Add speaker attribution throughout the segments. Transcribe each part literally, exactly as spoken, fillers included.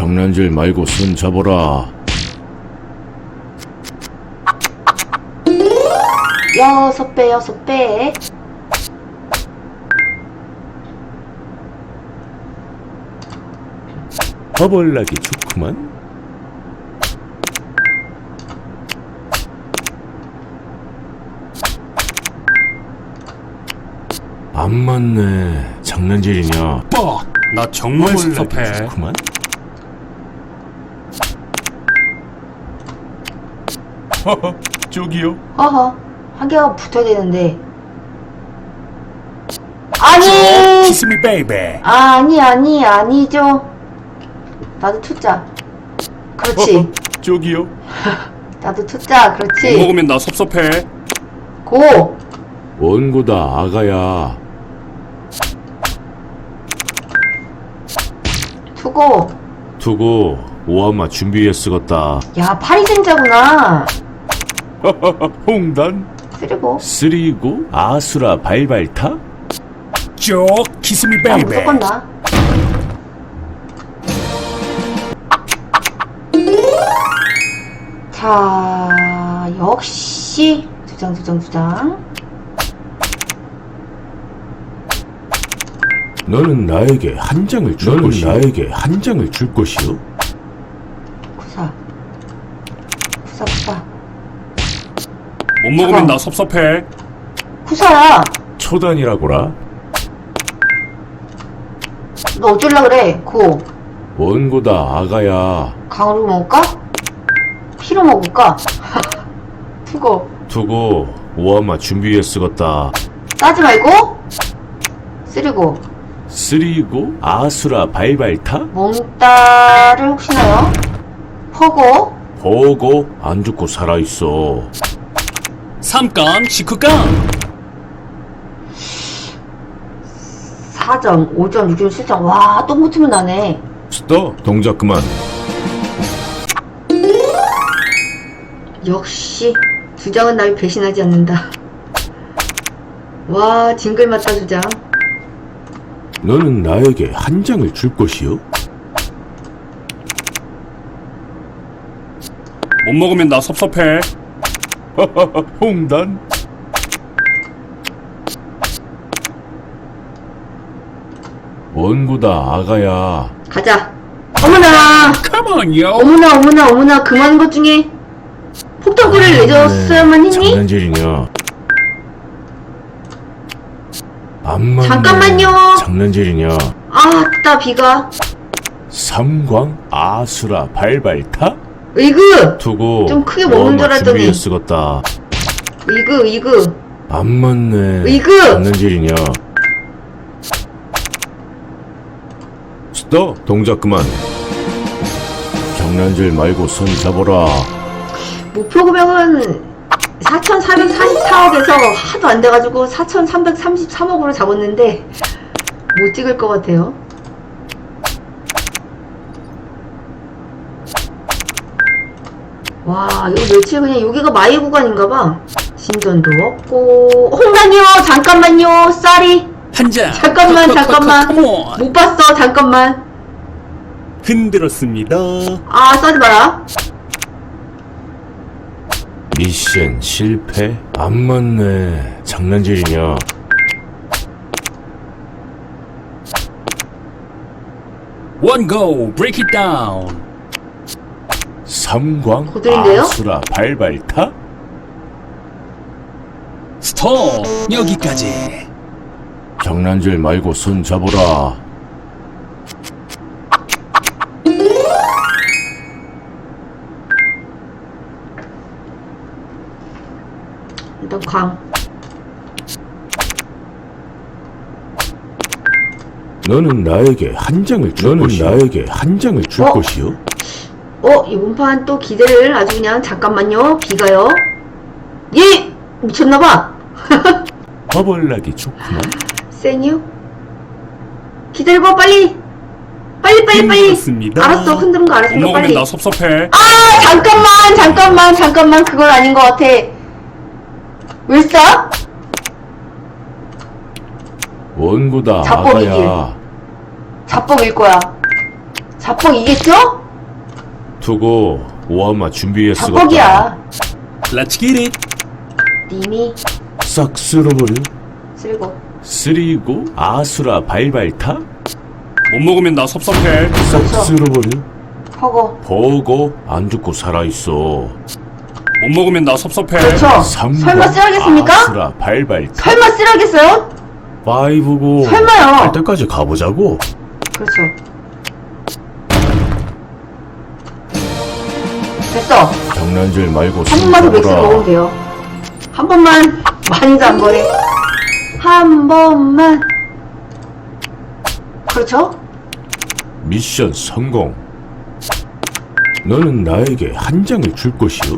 Speaker 1: 장난질 말고 손 잡아라.
Speaker 2: 여섯 배, 여섯 배.
Speaker 1: 허벌나기 좋구만. 안 맞네. 장난질이냐?
Speaker 3: 뻑! 나 정말 섭섭해.
Speaker 1: 좋구만. 허허, 저기요.
Speaker 2: 허허, 한 개가 붙어야 되는데. 아니!
Speaker 3: Kiss me baby.
Speaker 2: 아니, 아니, 아니죠. 나도 투자. 그렇지.
Speaker 1: 허허, 저기요.
Speaker 2: 나도 투자.
Speaker 3: 못
Speaker 2: 그렇지.
Speaker 3: 먹으면 나 섭섭해.
Speaker 2: 고!
Speaker 1: 원고다 아가야.
Speaker 2: 투고.
Speaker 1: 두고 오하마 준비해 쓰겄다.
Speaker 2: 야, 파리생자구나.
Speaker 1: 허허허, 홍단.
Speaker 2: 쓰리고.
Speaker 1: 쓰리고 아수라 발발타.
Speaker 3: 쪽 Kiss me
Speaker 2: 나
Speaker 3: baby.
Speaker 2: 무조건 나. 자, 역시 두 장, 두 장, 두 장.
Speaker 1: 너는 나에게 한 장을 줄 너는 것이요. 나에게 한 장을 줄 것이요.
Speaker 2: 구사. 구사, 구사.
Speaker 3: 못 먹으면
Speaker 2: 잠깐.
Speaker 3: 나 섭섭해.
Speaker 2: 구사야.
Speaker 1: 초단이라고라.
Speaker 2: 너 어쩔라 그래? 고.
Speaker 1: 원고다 아가야.
Speaker 2: 강으로 먹을까? 피로 먹을까? 투고.
Speaker 1: 두고 오하마 준비해 쓰겄다.
Speaker 2: 따지 말고. 쓰리고.
Speaker 1: 쓰리고 아수라 발발타.
Speaker 2: 몽따를 혹시나요? 퍼고.
Speaker 1: 보고 안 죽고 살아있어.
Speaker 3: 삼깡 식후깡.
Speaker 2: 사 점, 오 점, 육 점, 칠 점. 와, 똥 붙으면 나네.
Speaker 1: 스톱. 동작 그만.
Speaker 2: 역시 두 장은 날 배신하지 않는다. 와, 징글 맞다 두 장.
Speaker 1: 너는 나에게 한 장을 줄 것이요.
Speaker 3: 못 먹으면 나 섭섭해.
Speaker 1: 허허허, 홍단. 원고다 아가야.
Speaker 2: 가자. 어머나!
Speaker 3: Come on yo.
Speaker 2: 어머나, 어머나, 어머나. 그 많은 것 중에 폭탄구를 내줬어야만 했니?
Speaker 1: 장난질이냐? 안 맞네.
Speaker 2: 잠깐만요.
Speaker 1: 장난질이냐?
Speaker 2: 아, 따 비가.
Speaker 1: 삼광 아수라 발발타.
Speaker 2: 으이그!
Speaker 1: 두고
Speaker 2: 좀 크게 먹는 줄 알았더니.
Speaker 1: 준비해 쓰겄다.
Speaker 2: 으이그, 으이그.
Speaker 1: 안 맞네.
Speaker 2: 으이그!
Speaker 1: 장난질이냐? 스톱. 동작 그만. 장난질 말고 손 잡아라.
Speaker 2: 목표 금액은 사천사백사십사억에서 하도 안 돼가지고 사천삼백삼십삼억으로 잡았는데 못 찍을 것 같아요. 와, 이거 며칠 그냥 여기가 마이 구간인가봐. 진전도 없고. 홍단이요, 잠깐만요, 쌀이.
Speaker 3: 한 장.
Speaker 2: 잠깐만, 잠깐만.
Speaker 3: Come on.
Speaker 2: 못 봤어, 잠깐만.
Speaker 3: 흔들었습니다.
Speaker 2: 아, 써지 마라.
Speaker 1: 미션 실패? 안 맞네. 장난질이냐?
Speaker 3: One go. Break it down.
Speaker 1: 삼광
Speaker 2: 고들인데요?
Speaker 1: 아수라 발발타?
Speaker 3: 스톱. 여기까지.
Speaker 1: 장난질 말고 손 잡아라.
Speaker 2: 일단 광.
Speaker 1: 너는 나에게 한 장을 줄 너는 것이요. 나에게 한 장을 줄
Speaker 2: 어?
Speaker 1: 것이요.
Speaker 2: 어, 이번 판 또 기대를 아주 그냥 잠깐만요. 비가요. 예! 미쳤나봐.
Speaker 1: 허벌나기 좋구만.
Speaker 2: 세뉴? 기다려봐, 빨리! 빨리, 빨리, 빨리!
Speaker 3: 흔들었습니다.
Speaker 2: 알았어, 흔드는 거
Speaker 3: 못
Speaker 2: 알았으니까
Speaker 3: 먹으면
Speaker 2: 빨리.
Speaker 3: 나 섭섭해.
Speaker 2: 아! 잠깐만, 잠깐만, 잠깐만. 그건 아닌 것 같아. 왜 싸?
Speaker 1: 원고다
Speaker 2: 자뻑이길.
Speaker 1: 아가야.
Speaker 2: 자뻑일 거야. 자뻑 이겠죠?
Speaker 1: 두고 오하마 준비해 쓰겠다.
Speaker 2: 자뻑이야.
Speaker 3: Let's get it.
Speaker 2: 님이
Speaker 1: 싹 쓸어버려.
Speaker 2: 쓸고.
Speaker 1: 쓰리고 아수라 발발타.
Speaker 3: 못 먹으면 나 섭섭해.
Speaker 1: 싹
Speaker 2: 그렇죠.
Speaker 1: 쓸어버려.
Speaker 2: 허거.
Speaker 1: 보고 안 죽고 살아있어.
Speaker 3: 못 먹으면 나 섭섭해.
Speaker 2: 그렇죠.
Speaker 1: 삼
Speaker 2: 설마 쓰라겠습니까?
Speaker 1: 아수라 발발타.
Speaker 2: 설마 쓰라겠어요?
Speaker 1: 파이브고
Speaker 2: 설마요.
Speaker 1: 갈 때까지 가보자고.
Speaker 2: 그렇죠. 됐어.
Speaker 1: 장난질 말고
Speaker 2: 한
Speaker 1: 손
Speaker 2: 번만 더 맥스 먹으면
Speaker 1: 잡아라.
Speaker 2: 돼요. 한 번만. 많이도 안 거래. 한 번만. 그렇죠?
Speaker 1: 미션 성공. 너는 나에게 한 장을 줄 것이오.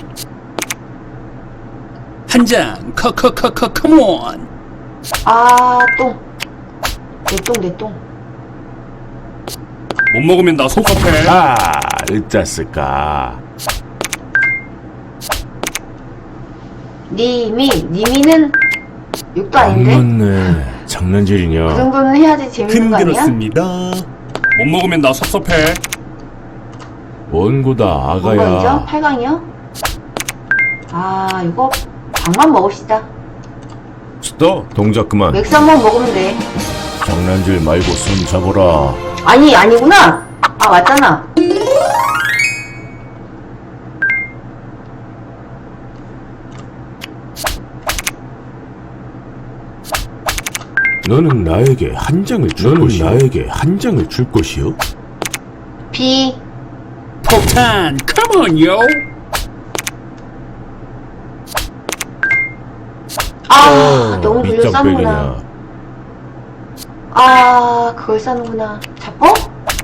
Speaker 3: 한 장. 커커커커 컴온.
Speaker 2: 아, 똥. 내 똥, 내 똥.
Speaker 3: 못 먹으면 나 섭섭해.
Speaker 1: 아, 으짜스까.
Speaker 2: 님이, 님이는 욕도
Speaker 1: 안
Speaker 2: 아닌데?
Speaker 1: 맞네.
Speaker 2: 그
Speaker 1: 장난질이냐.
Speaker 2: 정도는 해야지 재밌는 거 아니야?
Speaker 3: 힘들었습니다. 못 먹으면 나 섭섭해.
Speaker 1: 원고다
Speaker 2: 몇 강이죠?
Speaker 1: 아가야.
Speaker 2: 팔 강이요? 아, 이거 방만 먹읍시다.
Speaker 1: 스톱. 동작 그만.
Speaker 2: 맥스 한 번 먹으면 돼.
Speaker 1: 장난질 말고 손 잡아라.
Speaker 2: 아니, 아니구나. 아, 맞잖아.
Speaker 1: 너는 나에게 한 장을 줄 것이오. 나에게 한 장을 줄 것이오.
Speaker 2: B.
Speaker 3: 폭탄. Come on, yo.
Speaker 2: 아, 너무 돌려
Speaker 1: 밑장
Speaker 2: 싸는구나.
Speaker 1: 빼기냐.
Speaker 2: 아, 그걸 싸는구나. 자뻑?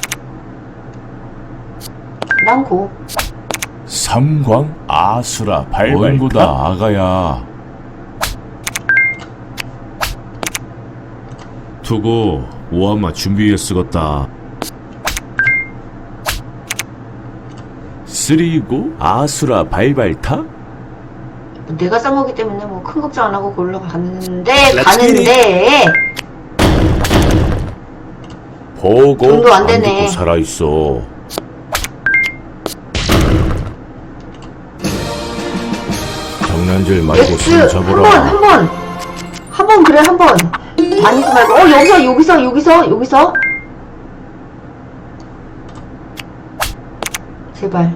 Speaker 2: 난 고.
Speaker 1: 삼광 아수라 발발타. 원고다 아가야. 두고 오하마 준비해 쓰겄다. 쓰리고 아수라 발발타.
Speaker 2: 내가 싼 거기 때문에 뭐 큰 걱정 안 하고 골로 가는데,
Speaker 3: Let's
Speaker 2: 가는데.
Speaker 1: 보고
Speaker 2: 돈도 안
Speaker 1: 안
Speaker 2: 되네.
Speaker 1: 듣고 살아있어. 장난질 말고
Speaker 2: 엑스,
Speaker 1: 손
Speaker 2: 한 번,
Speaker 1: 잡아라.
Speaker 2: 한 번. 한 번, 그래, 한 번. 아니지 말고. 어, 여기서, 여기서, 여기서, 여기서. 제발.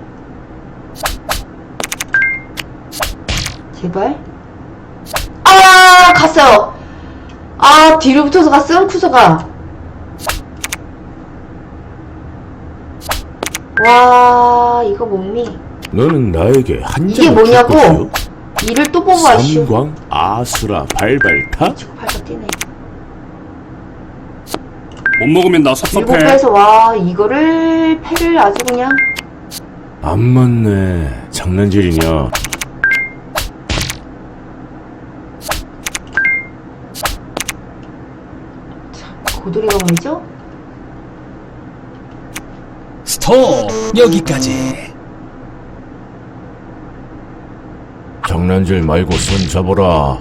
Speaker 2: 제발. 아, 갔어요. 아, 뒤로 붙어서 갔음, 쿠서가. 와, 이거 몸이.
Speaker 1: 너는 나에게 한
Speaker 2: 이게
Speaker 1: 장을 줄
Speaker 2: 뭐냐고?
Speaker 1: 것이오.
Speaker 2: 이를 또 뽑아쇼.
Speaker 1: 삼광 아수라 발발타.
Speaker 2: 치고 팔도 뛰네.
Speaker 3: 못 먹으면 나
Speaker 2: 일곱
Speaker 3: 섭섭해.
Speaker 2: 배에서 와, 이거를, 패를 아주 그냥.
Speaker 1: 안 맞네. 장난질이냐.
Speaker 2: 고돌이가 말이죠?
Speaker 3: 스톱. 여기까지.
Speaker 1: 장난질 말고 손 잡아라.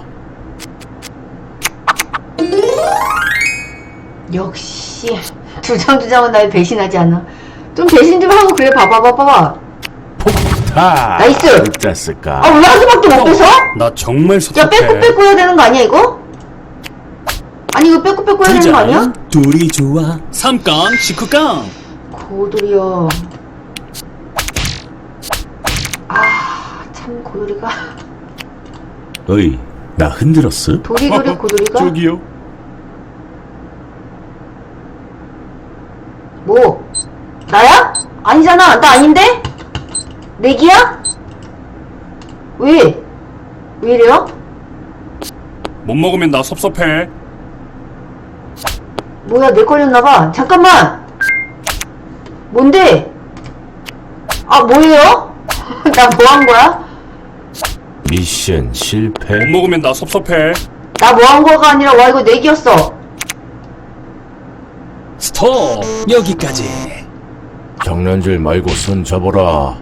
Speaker 2: 역시 두 장 두 장은 날 배신하지 않아. 좀 배신 좀 하고 그래. 봐봐 봐봐.
Speaker 1: 폭타.
Speaker 2: 나이스!
Speaker 1: 으짜스까.
Speaker 2: 아, 왜 한 수밖에 못 빼서?
Speaker 3: 나 정말
Speaker 2: 야,
Speaker 3: 섭섭해.
Speaker 2: 빼고 빼고 해야 되는 거 아니야 이거? 아니 이거 빼고 빼고 해야 되는 거 아니야?
Speaker 3: 둘이 좋아. 삼깡, 십구깡.
Speaker 2: 고돌이요. 아, 참 고돌이가.
Speaker 1: 어이, 나 흔들었어?
Speaker 2: 도리도리 고돌이가.
Speaker 3: 저기요.
Speaker 2: 뭐? 나야? 아니잖아. 나 아닌데? 내기야? 왜? 왜 이래요?
Speaker 3: 못 먹으면 나 섭섭해.
Speaker 2: 뭐야, 내 걸렸나봐. 잠깐만! 뭔데? 아, 뭐예요? 나 뭐 한 거야?
Speaker 1: 미션 실패.
Speaker 3: 못 먹으면 나 섭섭해.
Speaker 2: 나 뭐 한 거가 아니라, 와, 이거 내기였어.
Speaker 3: 스톱. 여기까지.
Speaker 1: 장난질 말고 손 잡아라.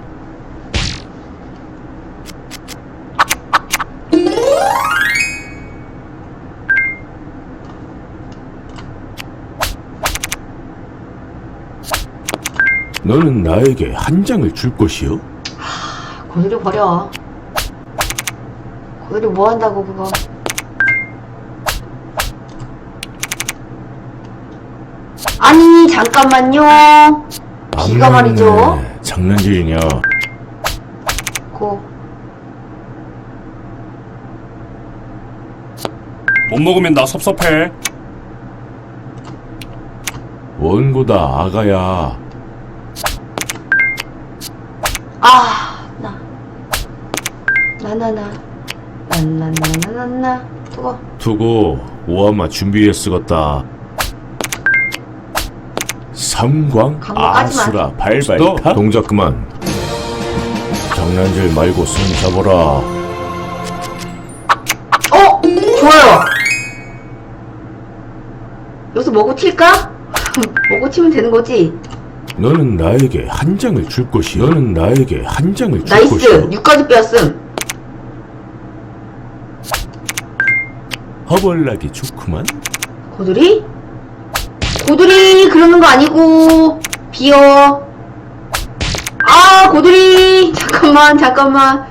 Speaker 1: 너는 나에게 한 장을 줄 것이요?
Speaker 2: 고드리 버려. 고드리 뭐 한다고 그거. 아니 잠깐만요. 비가
Speaker 1: 안
Speaker 2: 말이죠.
Speaker 1: 맞네. 장난질이냐?
Speaker 2: 고.
Speaker 3: 못 먹으면 나 섭섭해.
Speaker 1: 원고다 아가야.
Speaker 2: 아, 나. 나, 나, 나. 나, 나, 나, 나, 나, 나. 두고.
Speaker 1: 두고 오아마 준비해 쓰겄다. 삼광
Speaker 2: 광고 까지 마.
Speaker 1: 아수라 발발타. 동작 그만. 장난질 말고 손 잡아라.
Speaker 2: 어! 좋아요! 여기서 먹고 튈까? 먹고 튀면 되는 거지?
Speaker 1: 너는 나에게 한 장을 줄 것이요. 너는 나에게 한 장을 줄
Speaker 2: 나이스!
Speaker 1: 것이요.
Speaker 2: 육까지 빼었음.
Speaker 1: 허벌나기 좋구만.
Speaker 2: 고드리? 고드리! 그러는 거 아니고. 비어. 아, 고드리! 잠깐만, 잠깐만.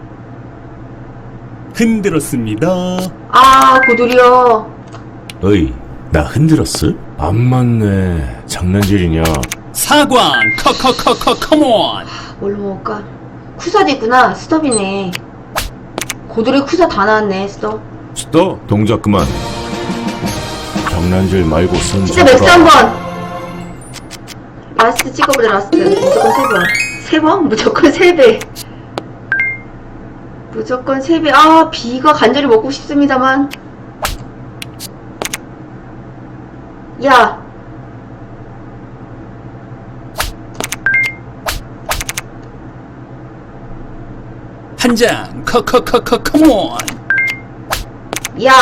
Speaker 3: 흔들었습니다.
Speaker 2: 아, 고드리요.
Speaker 1: 어이, 나 흔들었어? 안 맞네. 장난질이냐?
Speaker 3: 사광 커커커커 컴온.
Speaker 2: 뭘로 먹을까? 쿠사도 있구나. 스톱이네. 고드리 쿠사 다 나왔네, 스톱.
Speaker 1: 스톱. 동작 그만. 장난질 말고 손
Speaker 2: 진짜 맥스
Speaker 1: 잡아라.
Speaker 2: 한 번! 라스트 찍어보자, 라스트. 무조건 세 번. 세 번? 무조건 세 배. 무조건 세 배. 아, 비가 간절히 먹고 싶습니다만. 야!
Speaker 3: 한 장 커커커커 컴온.
Speaker 2: 야!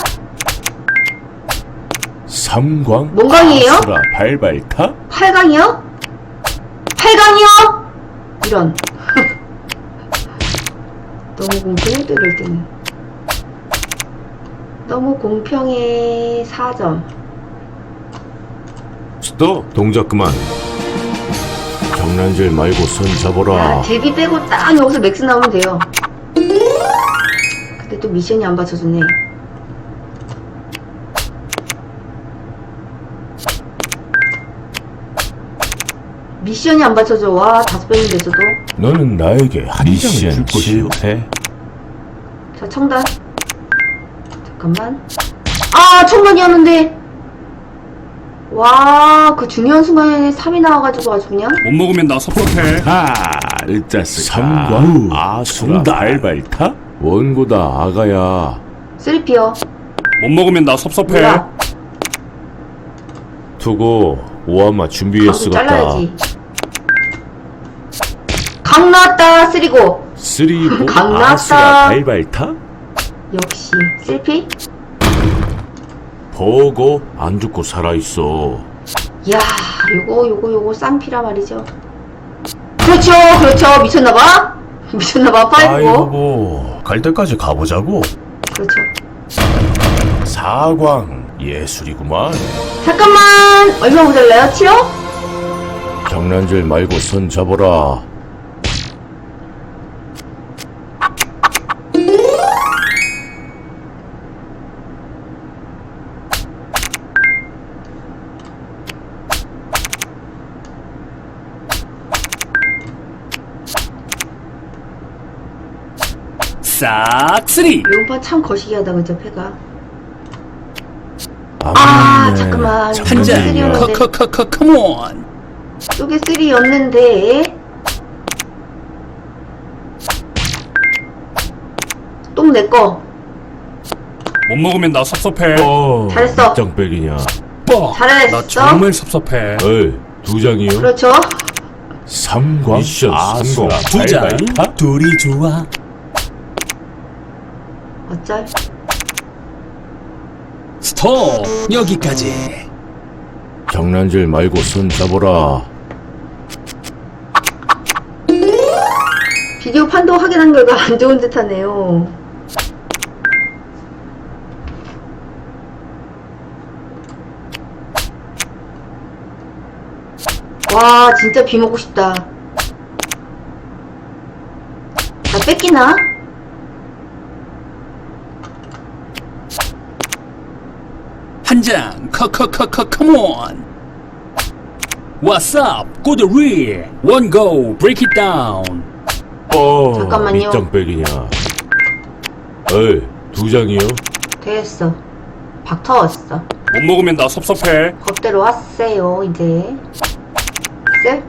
Speaker 1: 삼광
Speaker 2: 뭔 광이에요?
Speaker 1: 아수라 발발타.
Speaker 2: 팔 강이요? 팔 강이요? 이런. 너무 공평해, 또 이럴 때는. 너무 공평해. 사 점.
Speaker 1: 스톱. 동작 그만. 장난질 말고 손 잡아라.
Speaker 2: 야, 데뷔 빼고 딱 여기서 맥스 나오면 돼요. 근데 또 미션이 안 받쳐주네. 미션이 안 받쳐줘. 와, 다섯 배면 됐어도.
Speaker 1: 너는 나에게 한 장을 줄 것이요.
Speaker 2: 자, 청단. 잠깐만. 아, 청단이었는데. 와, 그 중요한 순간에 삼이 나와가지고 아주 그냥.
Speaker 3: 못 먹으면 나 섭섭해.
Speaker 1: 하, 으짜스. 삼광 아수라 발발타. 원고다 아가야.
Speaker 2: 쓰리피어.
Speaker 3: 못 먹으면 나 섭섭해.
Speaker 2: 몰라.
Speaker 1: 두고 오아마 준비해
Speaker 2: 강도
Speaker 1: 쓰겄다.
Speaker 2: 잘라야지. 강 나왔다, 쓰리고.
Speaker 1: 쓰리고
Speaker 2: 강 나왔다.
Speaker 1: 아수라 발발타.
Speaker 2: 역시. 쓰리피?
Speaker 1: 보고 안 죽고 살아있어.
Speaker 2: 이야, 요거, 요거, 요거, 쌍피라 말이죠. 그렇죠, 그렇죠. 미쳤나봐? 미쳤나봐, 파이브.
Speaker 1: 아이고, 갈 때까지 가보자고.
Speaker 2: 그렇죠.
Speaker 1: 사광 예술이구만.
Speaker 2: 잠깐만! 얼마 모자라요? 칠억?
Speaker 1: 장난질 말고 손 잡아라.
Speaker 3: 싹쓸이.
Speaker 2: 용파 참 거시기하다, 그죠, 패가.
Speaker 1: 안
Speaker 2: 아,
Speaker 1: 맞네.
Speaker 2: 잠깐만.
Speaker 3: 한 장
Speaker 1: 장난질이냐.
Speaker 2: 쓰리였는데.
Speaker 3: 커커커커 컴온.
Speaker 2: 쪽에 쓰리였는데. 똥 내꺼.
Speaker 3: 못 먹으면 나 섭섭해.
Speaker 1: 어,
Speaker 2: 잘했어.
Speaker 1: 몇 장 빼기냐.
Speaker 3: 뻑.
Speaker 2: 잘했어.
Speaker 3: 나 정말 섭섭해.
Speaker 1: 어이, 두 장이요?
Speaker 2: 그렇죠.
Speaker 1: 삼광
Speaker 3: 미션
Speaker 1: 아수라
Speaker 3: 성공. 두 장.
Speaker 1: 발발타.
Speaker 3: 둘이 좋아.
Speaker 2: 어쩔.
Speaker 3: 스톱. 여기까지.
Speaker 1: 장난질 말고 손 잡아라.
Speaker 2: 비디오 판도 확인한 결과 안 좋은 듯 하네요. 와, 진짜 비 먹고 싶다. 나 뺏기나?
Speaker 3: 한 장, 커커커커, come on. What's up? Go the rear. One go, break it down.
Speaker 1: 어,
Speaker 2: 잠깐만요.
Speaker 1: 밑장 빼기냐. 에이, 두 장이요?
Speaker 2: 됐어. 박 터웠어.
Speaker 3: 못 먹으면 나 섭섭해.
Speaker 2: 법대로 왔어요, 이제. 쎄?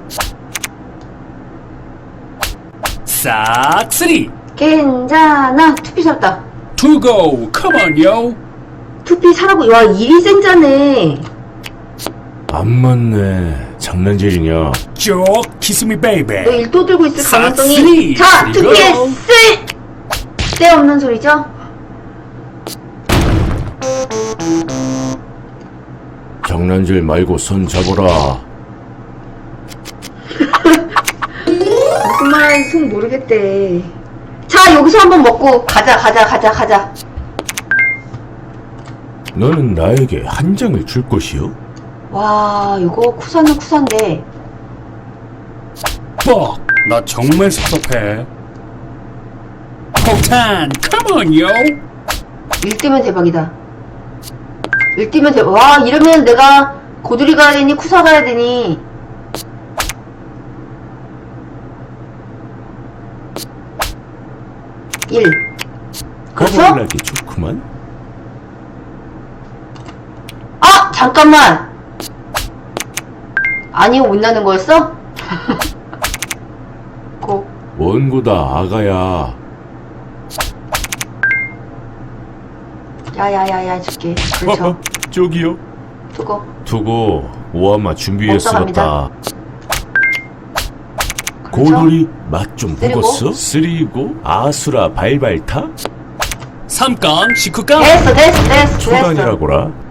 Speaker 3: 싹, 쓰리.
Speaker 2: 괜찮아. 투피 살았다.
Speaker 3: Two go, come on, yo.
Speaker 2: 투피 사라고. 와, 일이 센자네.
Speaker 1: 안 맞네. 장난질이냐.
Speaker 3: 쭉, kiss me, baby.
Speaker 2: 너 일 또 들고 있을
Speaker 3: 싹,
Speaker 2: 가능성이.
Speaker 3: 쓰리.
Speaker 2: 자,
Speaker 3: 그리고-
Speaker 2: 투피에 쎄! 쎄 없는 소리죠?
Speaker 1: 장난질 말고 손 잡아라.
Speaker 2: 무슨 말하는지 속 모르겠대. 자, 여기서 한번 먹고 가자, 가자, 가자, 가자.
Speaker 1: 너는 나에게 한 장을 줄 것이요?
Speaker 2: 와, 이거 쿠사는 쿠사인데.
Speaker 3: 뻑, 나 정말 섭섭해. 폭탄, come on, yo.
Speaker 2: 일 뜨면 대박이다. 일 뜨면 대박. 와, 이러면 내가 고두리 가야 되니, 쿠사 가야 되니. 일. 그렇죠?
Speaker 1: 거벌나기 좋구만.
Speaker 2: 아! 잠깐만! 아니요, 못 나는 거였어? 고.
Speaker 1: 원고다 아가야.
Speaker 2: 야야야야 줄게. 그렇죠.
Speaker 1: 저기요.
Speaker 2: 두고.
Speaker 1: 두고 오아마 준비해
Speaker 2: 먼저
Speaker 1: 쓰었다.
Speaker 2: 그렇죠?
Speaker 1: 고돌이 맛 좀
Speaker 2: 쓰리고.
Speaker 1: 보겠어? 쓰리고 아수라 발발타?
Speaker 3: 삼 건, 십구 건.
Speaker 2: 됐어, 됐어, 됐어, 됐어.
Speaker 1: 초단이라고라.